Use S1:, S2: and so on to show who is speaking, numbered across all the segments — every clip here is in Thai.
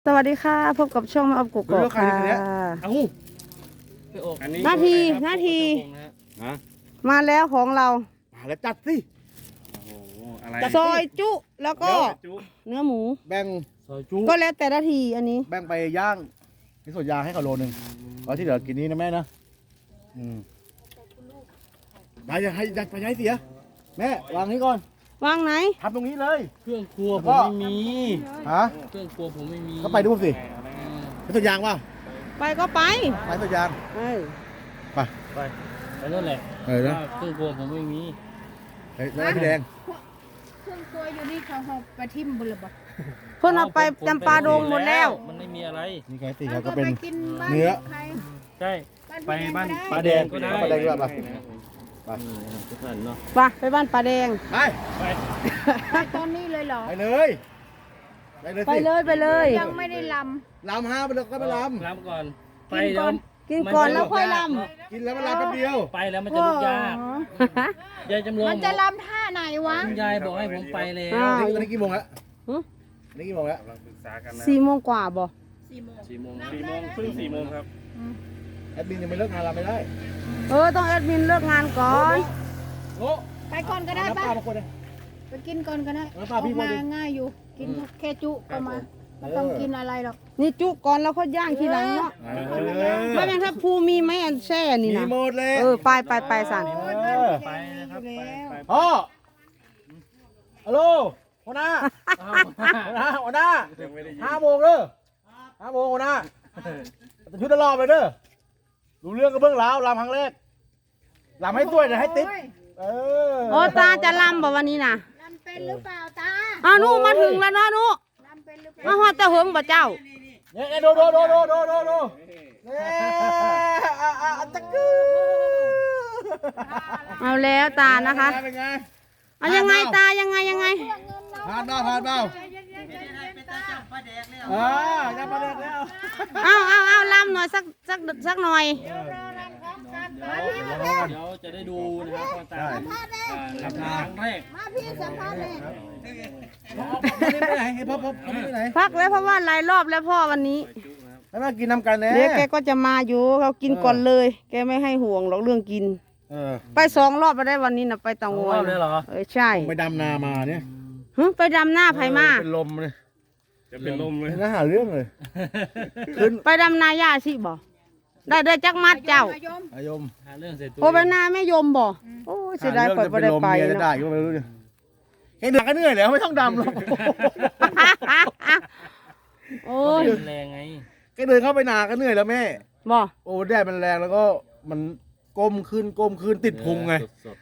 S1: สวัสดีค่ะพบกับช่องมาอบกุกกอกค่ะนาทีมาแล้วของเรา
S2: มาแล้วจัดสิ
S1: ซอยจุแล้วก็เนื้อหมู
S2: แบ่งซอยจุ
S1: ก็แล้วแต่นาทีอันนี้
S2: แบ่งไปย่างที่สวนยางให้เขาโลนึงแล้วที่เหลือกินนี้นะแม่นะไปอย่าให้ยัดไปย้ายเสียแม่วางนี้ก่อน
S1: วางไหน
S2: ทำตรงนี้เลย
S3: เครื่องครัวผมไม่มี
S2: ฮะ
S3: เครื่องครัวผมไม่มี
S2: ก็ไปดูสิไปสวนยางป่ะ
S1: ไปก็ไป
S2: สวนยางไป
S3: นั่นแหละ
S2: นะ
S3: เครื่องครัวผมไม่มี
S2: แล้วพี่แดง
S4: เครื่องครัวอยู่นี่เขาหอบไปทิ่มบุญบ่
S1: เพิ่นเอาไปจำปาดงหมดแล้ว
S3: มันไม่มีอะไร
S2: นี่ไงสิครับก็เป็นเนื้อ
S3: ใช่ไปบ้าน
S2: ปลาแดงก็ได้ปลาแดงด้วยป่ะ
S3: ทุกท่านเนาะ
S1: ไปบ้านปลาแดง
S4: ไปตอนนี้เลยเหรอ
S2: ไปเลย
S1: ไปเลย
S4: ยังไม่ได้ล
S2: ำ5ไปเลยก็ไปล
S3: ำก่อนไป
S1: กินก่อนแล้วค่อยล
S2: ำกินแล้วมันลำแป๊บเดียว
S3: ไปแล้วมันจะลุกยากยายจำลอง
S4: มันจะลำท่าไหนวะ
S3: ยายบอกให้ผมไปแล้ว
S2: ตอนนี้กี่โมงแล้วนี่กี่โมงแล้ว
S1: 4 โมงกว่าบ่
S3: 4 โมงครึ่ง4 โมงครับ
S2: แอดมินยังไม่เลิกงานเราไม่ได้
S1: ต้องแอดมินเลิกงานก่อน
S4: ไปก่อนก็ได้ป่ะไปกินก่อนก็ได้ออกมาง่ายอยู่กินแค่จุก็มาไม่ต้องกินอะไรหรอก
S1: นี่จุก่อนแล้วเขาย่างทีหลังเนาะไม่เป็นถ้าภูมีไหมอันแช่นี่นะ
S2: มีหมดเลย
S1: ไปสั่น
S3: ไปนะครับ
S2: พ่อฮัลโหลหัวหน้า5 โมงเลย5 โมงหัวหน้าจะชุดตลอดไปเด้อรู้เรื่องก็เบื้องหลังลำครั้งแรกลำให้สวยนะให้ติ๊บ
S1: ตาจะลำบ่วันนี้นะ
S4: ลำเป็นหรือเปล่าตา
S1: นูมาถึงแล้วนะนูมาฮอดตะเหิงบ่เจ้า
S2: เนี่ยดูตะกือ
S1: เอาแล้วตานะคะเอายังไงตายังไง
S2: ผ่านเปล่าจะปลาแดกแล้ว
S1: เอาลำหน่อยสักหน่อย
S3: เดี๋ยวจะได้ดูนะครับพ่อตาครั้งแรก
S4: มาพี่สัมภาษณ์เลย
S1: พักแล้วเพราะว่าหลายรอบแล้วพ่อวันนี้
S2: แล้วมากินน้ำกันแน่
S1: เดี๋ยวแกก็จะมาอยู่เขากินก่อนเลยแกไม่ให้ห่วงหรอกเรื่องกินไป2 รอบไปได้วันนี้นะไปเตางอย
S3: เลยเหรอ
S1: ใช่
S2: ไปดำนามาเนี่ย
S1: ไปดำหน้าไผมา
S2: เป็นลมเลย
S3: จะเป็นลมเลย
S2: น่าหาเรื่องเลย
S1: ไปดำนาย่าสิบ่ได้จักมัดเจ้า
S2: อายม
S3: หาเรื่องใส่ตัว
S1: ไปนาไม่ยมบ่โอ้เสียดายปล่อยไปได้ไป
S2: เนาะได้ก็ไม่รู้เนี่ยเห็นเดือดก็เหนื่อยแล้วไม่ต้องดำหรอก
S1: โอ้ย
S3: แรงไง
S2: แกเดินเข้าไปนาก็เหนื่อยแล้วแม่
S1: บ่
S2: โอ้แดดมันแรงแล้วก็มันก้มขึ้นติดพุงไง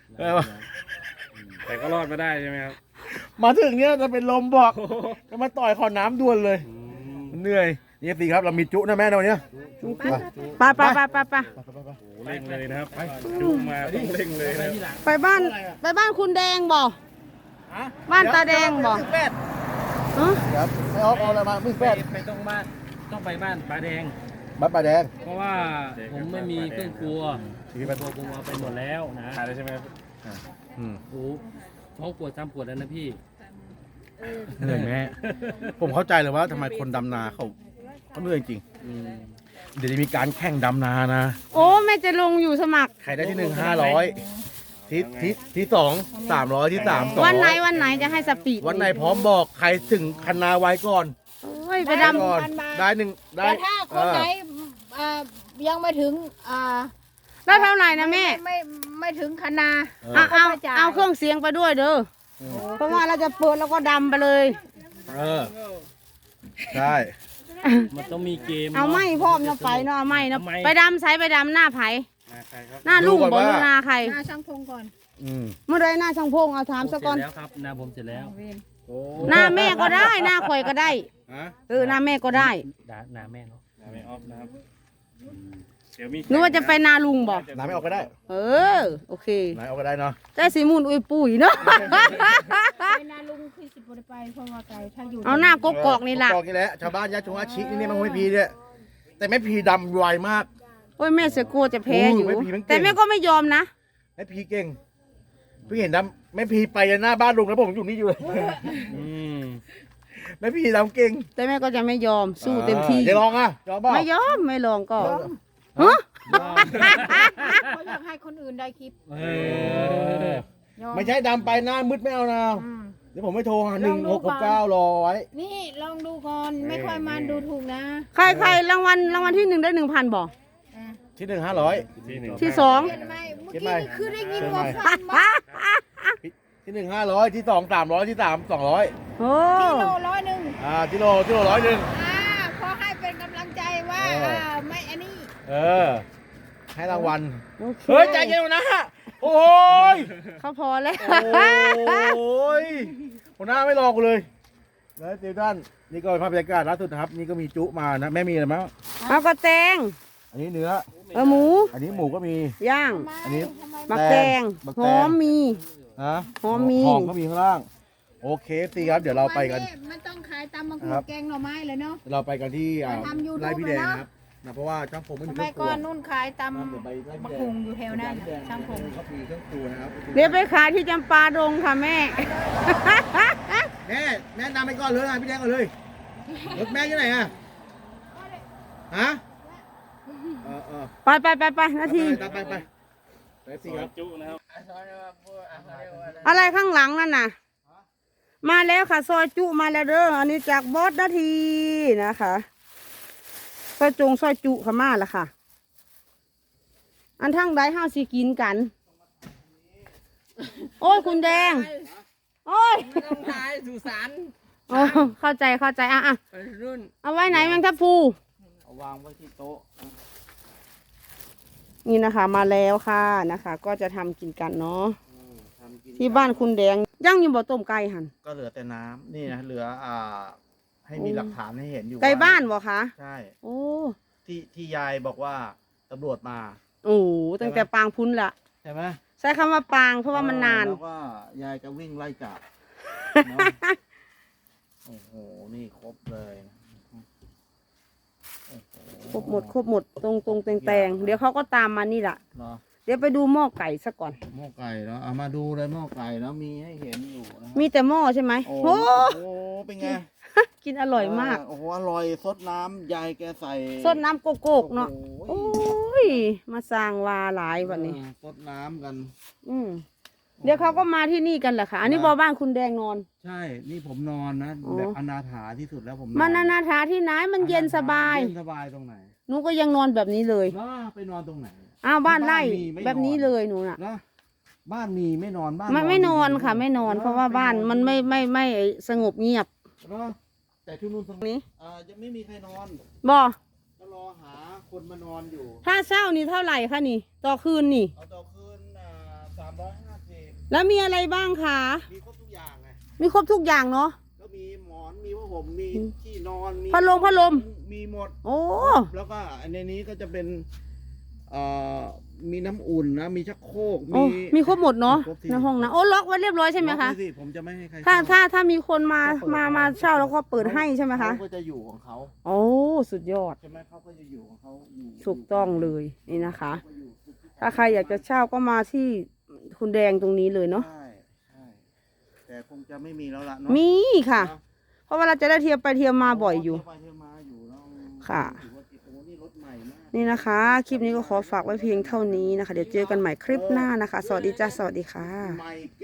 S3: แต่ก็รอดมาได้ใช่ไหมครับ
S2: มาถึงเนี้ยจะเป็นลมบอกจะมาต่อยขอน้ำด่วนเลยมันเหนื่อยนี่สิครับเรามีจุนะแม่วันนี้
S1: ไป
S3: เร่งเลยนะครับจุมาต้องเร่งเลยนะ
S1: ไปบ้านคุณแดงบ่บ้านตาแดงบ่
S2: ครับไม่เอาอะไรมามึงแป๊ด
S3: ไปต้องไปบ้านป้าแดงเพราะว่าผมไม่มีเครื่องครัวผมเอาไปหมดแล้วนะขายได้ใช่ไหมครับโอ้2 ขวด 3 ขวดแล้วนะพี่
S2: เหนื่อยแม่ผมเข้าใจเลยว่าทำไมคนดำนาเขาเหนื่อยจริงเดี๋ยวจะมีการแข่งดำนานะ
S1: โอ้แม่จะลงอยู่สมัคร
S2: ใครได้ที่1 500ที่2 300ที่3 200
S1: วันไหนจะให้สปีด
S2: วันไหนพร้อมบอกใครถึงคันนาไว้ก่อน
S1: ไปดำ
S2: ก่อนได้1ได้
S4: แต่ถ้าคนไหนยังไม่ถึง
S1: ได้เท่าไหร่นะแม่
S4: ไม่ถึงคณา
S1: เอาเครื่องเสียงไปด้วยเด้อเพราะว่าเราจะเปิดแล้วก็ดำไปเลย
S2: ใช่
S3: มันต้องมีเกม
S1: เอาไม่พ่อมเนาะไปเนาะเอาไม่เนาะไปดำใส่ไปดำหน้าไผ่หน้าลุงบอกหน้าใคร
S4: หน้าช่างพงก่อน
S1: เมื่อไรหน้าช่างพงเอาถามสักก่อน
S3: แล้วครับหน้าผมเสร็จแล้ว
S1: หน้าแม่ก็ได้หน้าข่อยก็ได้หน้าแม่ก็ได้
S3: หน้าแม่เนาะหน้าแม่ออฟนะครับ
S1: นึกว่าจะไปนาลุงบอก
S2: นาไม่ออกก็ได้
S1: โอเค
S2: นาออกก็ได้เนาะ
S1: ได้สีมูลอุ้ยปุ๋ยเนาะ
S4: ไปนาลุงคือสิบวันไปเพราะว่าไกลถ้าอยู่
S1: เอาหน้ากกอกนี่แหละ
S2: กอกนี่แหละชาวบ้านญาติชงอาชีนี่มันไม่พีเนี่ยแต่แม่พีดำไวมาก
S1: โอ้ยแม่เสียกลัวจะแพ้อยู่แต่แม่ก็ไม่ยอมนะ
S2: แม่พีเก่งพี่เห็นดำแม่พีไปหน้าบ้านลุงแล้วผมอยู่นี่อยู่เลยแล้วพี่ทำเก่ง
S1: แต่แม่ก็จะไม่ยอมสู้เต็มที่
S2: จะลองอ่ะยอมเปล่า
S1: ไม่ยอมไม่ลองก็
S4: ยอม
S1: ฮะ
S4: เขาอยากให้คนอื่นได้คลิป
S3: เออย
S4: อม
S2: ไม่ใช่ดำไปหน้ามืดไม่เอานะ
S4: อืม
S2: เดี๋ยวผมไม่โทรหา
S4: ลองดูก่อน
S2: 1669รอไว้
S4: นี่ลองดูก่อนไม่ค่อยมาดูถูกนะ
S1: ใครรางวัลที่ 1ได้ 1,000บอก
S4: อ่ะ
S2: ที่1 500
S1: ที่สอง
S4: เห็นไหมเมื่อ
S2: เห็น
S4: กี้
S2: ไหม
S4: นี่คือได้ยินว่าฟันมา
S2: ที่1 500ที่2 300ที่3 200
S1: โอ้
S4: กิโล100
S2: กิโล100
S4: อ่าขอให้เป็นกำลังใจว่าไม่อันนี้
S2: ให้รางวัล
S1: โอเค
S2: เฮ้ยใจเย็นนะโอ้ย
S1: เขาพอแล้ว
S2: โอ้ยหัวหน้าไม่รอกูเลยแล้วเดี๋ยวท่านนี่ก็เป็นภาพบรรยากาศล่าสุดนะครับนี่ก็มีจุมานะแม่มีอะไรมั้ง
S1: เอาก็แตง
S2: อันนี้เนื้อ
S1: หมู
S2: อันนี้หมูก็มี
S1: ย่าง
S4: ทำไม
S2: อันนี้
S4: ทำไม
S1: มักแตง
S2: บัก
S1: ห
S2: แตง
S1: อมมี
S2: นะ
S1: หอมมี
S2: หอมก็มีข้างล่างโอเคสิครับเดี๋ยวเราไปกัน
S4: มันต้องขายตำมะกรู
S2: ครั
S4: ด
S2: บ
S4: แกงหน่อไม้เลยเนาะ
S2: เราไปกันที่
S4: ไปทำ YouTube
S2: ไร่พี่แดง
S4: เลยเนอะ
S2: ครับนะเพราะว่าช่างผมไม่
S4: ส
S2: มีเค
S4: มั
S2: รื่
S4: ย
S2: องค
S4: ก่
S2: รั
S4: อ
S2: วน
S4: นุ่นขายตำ
S2: เดี๋ยวไปไร่
S4: มะ
S2: พี่
S4: กรู
S2: แดง
S4: ดอยู่แถวนั้น
S2: พี่แดง
S4: ช่างผม
S2: เขามีเครื่องครัวนะครับ
S1: เดี๋ยวไปขายที่จำปาดงค่ะแม่
S2: แม่นำไปก่อนเลยพี่แดงก่อนเลยรถแม่อยู่ไหนอะฮะ
S1: ไปนาที
S2: ไปสิครับ
S3: จุนะครับ
S1: อะไรข้างหลังนั่นน่ะ มาแล้วค่ะซอยจุมาแล้วเด้ออันนี้จากบอสนาทีนะคะซอยจุค่ะมาแล้วค่ะ อันทั้งใดห้าสิกินกัน โอ้ยคุณแดง โอ้ย
S3: ไม่ต้องขายสุสาน
S1: โอ้เข้าใจอ่ะ
S3: ไปรุ่น
S1: เอาไว้ไหนแมงทับพลู
S2: เอาวางไว้ที่โต๊ะ
S1: นี่นะคะมาแล้วค่ะนะคะ ก็จะทำกินกันเนาะ
S2: ทำกิน
S1: ที่บ้านคุณแดงย่างอยู่บ่ต้มไก่หัน
S2: ก็เหลือแต่น้ำนี่นะเหลือให้มีหลักฐานให้เห็นอยู่
S1: ไก่บ้านบ่คะ
S2: ใช่
S1: โอ้
S2: ที่ยายบอกว่าตำรวจมา
S1: โอ้ตั้งแต่ปางพุ้นละ
S2: ใช่ไหม
S1: ใช้คำว่าปางเพราะว่ามันนาน
S2: แล้วก็ยายจะวิ่งไล่จับเนอะโอ้โหนี่ครบเลยโอ้โ
S1: ครบหมดตรงแตงเดี๋ยวเขาก็ตามมานี่แหละ
S2: เนาะ
S1: เดี๋ยวไปดูหม้อไก่ซะก่อน
S2: หม้อไก่เนาะเอามาดูเลยหม้อไก่เนาะมีให้เห็นอยู่นะ
S1: มีแต่หม้อใช่ไหม
S2: โอ้
S1: โอ้
S2: โหเป็นไง
S1: กินอร่อยมาก
S2: โอ้โหอร่อยซดน้ำยายแกใส่
S1: สดน้ำโกโก้เนาะ
S2: โอ้
S1: โอ้
S2: โห
S1: ยมาสร้างวาหลายวันนี้
S2: ซดน้ำกัน
S1: เดี๋ยวเขาก็มาที่นี่กันแหละค่ะ อันนี้บ้านคุณแดงนอน
S2: ใช่ นี่ผมนอนนะ
S1: อ๋อ
S2: แบบอนาถาที่สุดแล้วผม
S1: มันนาถาที่ไหนมันเย็นสบาย
S2: เย็นสบายตรงไหน
S1: หนูก็ยังนอนแบบนี้เลย
S2: เนาะไปนอนตรงไหน
S1: อ้าวบ้านไร่
S2: บ้านมีไม่นอน
S1: แบบนี้เลยหนูน่ะ
S2: เนาะบ้านมีไม่นอนบ้าน
S1: ไม่นอน
S2: ดีๆ
S1: ค่ะไม่นอน
S2: อ
S1: เพราะว่าบ้านมันไม่สงบเงียบ
S2: เนาะแต่ที่นู่นตรง
S1: นี้
S2: ยังไม่มีใครนอน
S1: บ่
S2: ก็รอหาคนมานอนอยู่
S1: ถ้าเช่านี่เท่าไหร่คะนี่ ต่อคืนนี่
S2: เอาต่อคืน350
S1: แล้วมีอะไรบ้างคะ
S2: มีครบทุกอย่างไง
S1: มีครบทุกอย่างเนาะ
S2: ก็มีหมอนมีผ้าห่มมีที่นอนมี
S1: พัดลม
S2: มีหมด
S1: โอ้
S2: แล้วก็ในนี้ก็จะเป็นมีน้ำอุ่นนะ มีชักโครก
S1: โอ้มีครบหมดเนาะ
S2: ครบที่
S1: ในห้องนะโอ้ล็อกไว้เรียบร้อยใช่ไหม
S2: ล็อก
S1: คะ
S2: ว้สิผมจะไม่ให้ใคร
S1: ถ้ามีคนมาเช่าแล้วก็เปิดให้ใช่ไหมคะ
S2: เขาก็จะอยู่ของเขา
S1: โอ้สุดยอด
S2: ใช่ไหมเขาก็จะอยู่ของเขาอยู่
S1: ถูกต้องเลยนี่นะคะ ถ้าใครอยากจะเช่าก็มาที่คุณแดงตรงนี้เลยเนาะ
S2: ใช่ใช่แต่คงจะไม่มีแล้วล่ะเนาะ
S1: มีค่ะ
S2: เนอะ
S1: เพราะว่าเราจะได้เที่ยวไปเที่ยวมาบ่อยอยู่
S2: เที่วไปเที่ยวมาอยู่เนอ
S1: ค่ะ
S2: ถือว่าโอ้โหนี่รถใหม่มาก
S1: นี่นะคะ คลิปนี้ก็ขอฝากไว้เพียงเท่านี้นะคะ เดี๋ยวเจอกันใหม่คลิปหน้านะคะ สวัสดีจ้าสวัสดีค่ะ
S2: ใหม่